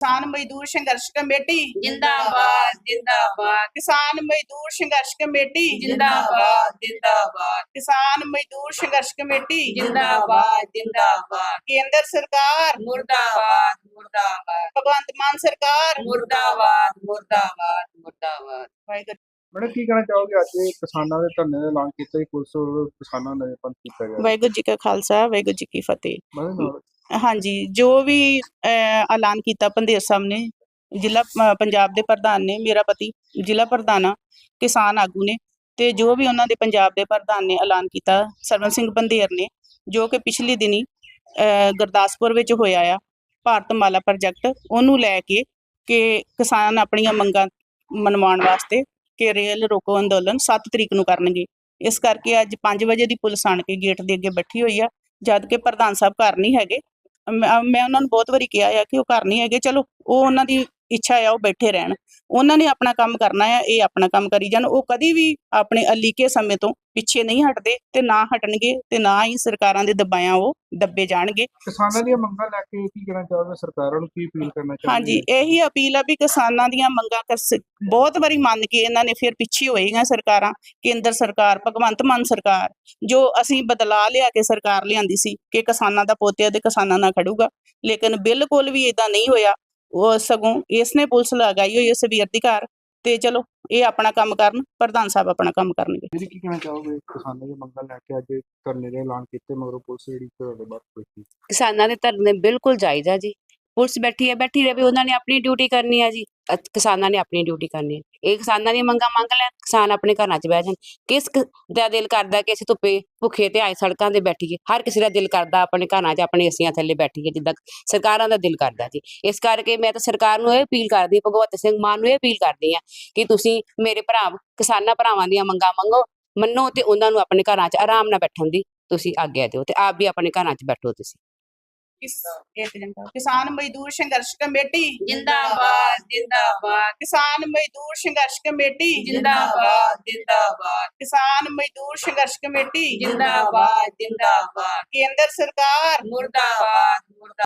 किसान मजदूर संघर्ष कमेटी जिंदाबाद जिंदाबाद किसान मजदूर संघर्ष कमेटी जिंदाबाद जिंदाबाद किसान मजदूर संघर्ष कमेटी जिंदाबाद जिंदाबाद केंद्र सरकार मुर्दाबाद मुर्दाबाद भगवंत मान सरकार मुर्दाबाद मुर्दाबाद मुर्दाबाद। वाहिगुरू। मैडम की कहना चाहोगे आज ये किसानों के धरने का ऐलान किया जी पुलिस और किसानों ने बंद किया गया वाहिगुरू जी का खालसा वाहिगुरू जी की फतेह। मतलब ਹਾਂਜੀ, ਜੋ ਵੀ ਐਲਾਨ ਕੀਤਾ ਪੰਧੇਰ ਸਾਹਿਬ ਨੇ, ਜ਼ਿਲ੍ਹਾ ਪੰਜਾਬ ਦੇ ਪ੍ਰਧਾਨ ਨੇ, ਮੇਰਾ ਪਤੀ ਜ਼ਿਲ੍ਹਾ ਪ੍ਰਧਾਨ ਆ, ਕਿਸਾਨ ਆਗੂ ਨੇ, ਤੇ ਜੋ ਵੀ ਉਹਨਾਂ ਦੇ ਪੰਜਾਬ ਦੇ ਪ੍ਰਧਾਨ ਨੇ ਐਲਾਨ ਕੀਤਾ ਸਰਵਨ ਸਿੰਘ ਪੰਧੇਰ ਨੇ, ਜੋ ਕਿ ਪਿਛਲੇ ਦਿਨੀ ਗੁਰਦਾਸਪੁਰ ਵਿੱਚ ਹੋਇਆ ਆ ਭਾਰਤਮਾਲਾ ਪ੍ਰੋਜੈਕਟ, ਉਹਨੂੰ ਲੈ ਕੇ ਕਿ ਕਿਸਾਨ ਆਪਣੀਆਂ ਮੰਗਾਂ ਮਨਵਾਉਣ ਵਾਸਤੇ ਕਿ ਰੇਲ ਰੋਕੋ ਅੰਦੋਲਨ 7 ਤਰੀਕ ਨੂੰ ਕਰਨਗੇ। ਇਸ ਕਰਕੇ ਅੱਜ 5 ਵਜੇ ਦੀ ਪੁਲਿਸ ਆਣ ਕੇ ਗੇਟ ਦੇ ਅੱਗੇ ਬੈਠੀ ਹੋਈ ਆ, ਜਦ ਕਿ ਪ੍ਰਧਾਨ ਸਾਹਿਬ ਘਰ ਨਹੀਂ ਹੈਗੇ। ਮੈਂ ਉਹਨਾਂ ਨੂੰ ਬਹੁਤ ਵਾਰੀ ਕਿਹਾ ਆ ਕਿ ਉਹ ਘਰ ਨਹੀਂ ਹੈਗੇ, ਚਲੋ ਉਹ ਉਹਨਾਂ ਦੀ ਇੱਛਾ ਆ, ਉਹ ਬੈਠੇ ਰਹਿਣ, ਉਹਨਾਂ ਨੇ ਆਪਣਾ ਕੰਮ ਕਰਨਾ ਆ, ਇਹ ਆਪਣਾ ਕੰਮ ਕਰੀ ਜਾਣ। ਉਹ ਕਦੀ ਵੀ ਆਪਣੇ ਅਲੀਕੇ ਸਮੇਂ ਤੋਂ ਪਿੱਛੇ ਨਹੀਂ ਹਟਦੇ ਤੇ ਨਾ ਹਟਣਗੇ, ਤੇ ਨਾ ਹੀ ਸਰਕਾਰਾਂ ਦੇ ਦਬਾਇਆ ਉਹ ਦੱਬੇ ਜਾਣਗੇ। किसानों दी मंगां लेके की कहना चाहोगे, सरकारों ਨੂੰ ਕੀ ਅਪੀਲ ਕਰਨਾ ਚਾਹੁੰਦੇ ਹਾਂਜੀ, ਇਹੀ ਅਪੀਲ ਆ ਵੀ ਕਿਸਾਨਾਂ ਦੀਆਂ ਮੰਗਾਂ ਬਹੁਤ ਵਾਰੀ ਮੰਨ ਕੇ ਇਹਨਾਂ ਨੇ ਫਿਰ ਪਿੱਛੇ ਹੋਏਗੀਆਂ ਸਰਕਾਰਾਂ, ਕੇਂਦਰ ਸਰਕਾਰ, ਭਗਵੰਤ ਮਾਨ ਸਰਕਾਰ, ਜੋ ਅਸੀਂ ਬਦਲਾ ਲਿਆ ਕੇ ਸਰਕਾਰ ਲਿਆਂਦੀ ਸੀ ਕਿ ਕਿਸਾਨਾਂ ਦਾ ਪੋਤਿਆ ਤੇ ਕਿਸਾਨਾਂ ਨਾਲ ਖੜੂਗਾ, ਲੇਕਿਨ ਬਿਲਕੁਲ ਵੀ ਇਦਾਂ ਨਹੀਂ ਹੋਇਆ। ਉਹ ਸਗੋਂ ਇਸਨੇ ਪੁਲਿਸ ਲਗਾਈ ਹੋਈ ਹੈ ਸਵੇਰ ਦੀ ਘਰ, ਤੇ ਚਲੋ ਇਹ ਆਪਣਾ ਕੰਮ ਕਰਨ, ਪ੍ਰਧਾਨ ਸਾਹਿਬ ਆਪਣਾ ਕੰਮ ਕਰਨਗੇ। ਜੀ ਕੀ ਕਹਿਣਾ ਚਾਹੋਗੇ ਕਿਸਾਨਾਂ ਦੀ ਮੰਗਾਂ ਲੈ ਕੇ ਅੱਜ ਧਰਨੇ ਦਾ ਐਲਾਨ ਕੀਤੇ ਮਗਰੋਂ ਪੁਲਿਸ ਜਿਹੜੀ ਤੁਹਾਡੇ ਬਾਅਦ ਬੈਠੀ ਕਿਸਾਨਾਂ ਦੇ ਧਰਨੇ ਬਿਲਕੁਲ ਜਾਇਜ਼ ਆ ਜੀ। ਪੁਲਿਸ ਬੈਠੀ ਹੈ, ਬੈਠੀ ਰਹੇ, ਉਹਨਾਂ ਨੇ ਆਪਣੀ ਡਿਊਟੀ ਕਰਨੀ ਆ ਜੀ, ਕਿਸਾਨਾਂ ਨੇ ਆਪਣੀ ਡਿਊਟੀ ਕਰਨੀ ਹੈ। ਇਹ ਕਿਸਾਨਾਂ ਦੀਆਂ ਮੰਗਾਂ ਮੰਗ ਲੈਣ, ਕਿਸਾਨ ਆਪਣੇ ਘਰਾਂ 'ਚ ਬਹਿ ਜਾਣ। ਕਿਸ ਦਾ ਦਿਲ ਕਰਦਾ ਕਿ ਅਸੀਂ ਧੁੱਪੇ ਭੁੱਖੇ ਤੇ ਆਏ ਸੜਕਾਂ ਤੇ ਬੈਠੀਏ? ਹਰ ਕਿਸੇ ਦਾ ਦਿਲ ਕਰਦਾ ਆਪਣੇ ਘਰਾਂ 'ਚ ਆਪਣੇ ਏਸੀਆਂ ਥੱਲੇ ਬੈਠੀਏ, ਜਿੱਦਾਂ ਸਰਕਾਰਾਂ ਦਾ ਦਿਲ ਕਰਦਾ ਜੀ। ਇਸ ਕਰਕੇ ਮੈਂ ਤਾਂ ਸਰਕਾਰ ਨੂੰ ਇਹ ਅਪੀਲ ਕਰਦੀ, ਭਗਵੰਤ ਸਿੰਘ ਮਾਨ ਨੂੰ ਇਹ ਅਪੀਲ ਕਰਦੀ ਹਾਂ ਕਿ ਤੁਸੀਂ ਮੇਰੇ ਕਿਸਾਨਾਂ ਭਰਾਵਾਂ ਦੀਆਂ ਮੰਗਾਂ ਮੰਨੋ ਤੇ ਉਹਨਾਂ ਨੂੰ ਆਪਣੇ ਘਰਾਂ 'ਚ ਆਰਾਮ ਨਾਲ ਬੈਠਣ ਦੀ ਤੁਸੀਂ ਆਗਿਆ ਦਿਓ, ਤੇ ਆਪ ਵੀ ਆਪਣੇ ਘਰਾਂ 'ਚ ਬੈਠੋ ਤੁਸੀਂ। किसान मजदूर संघर्ष कमेटी जिंदाबाद जिंदाबाद किसान मजदूर संघर्ष कमेटी जिंदाबाद जिंदाबाद किसान मजदूर संघर्ष कमेटी जिंदाबाद जिंदाबाद केंद्र सरकार मुर्दाबाद मुर्दाबाद।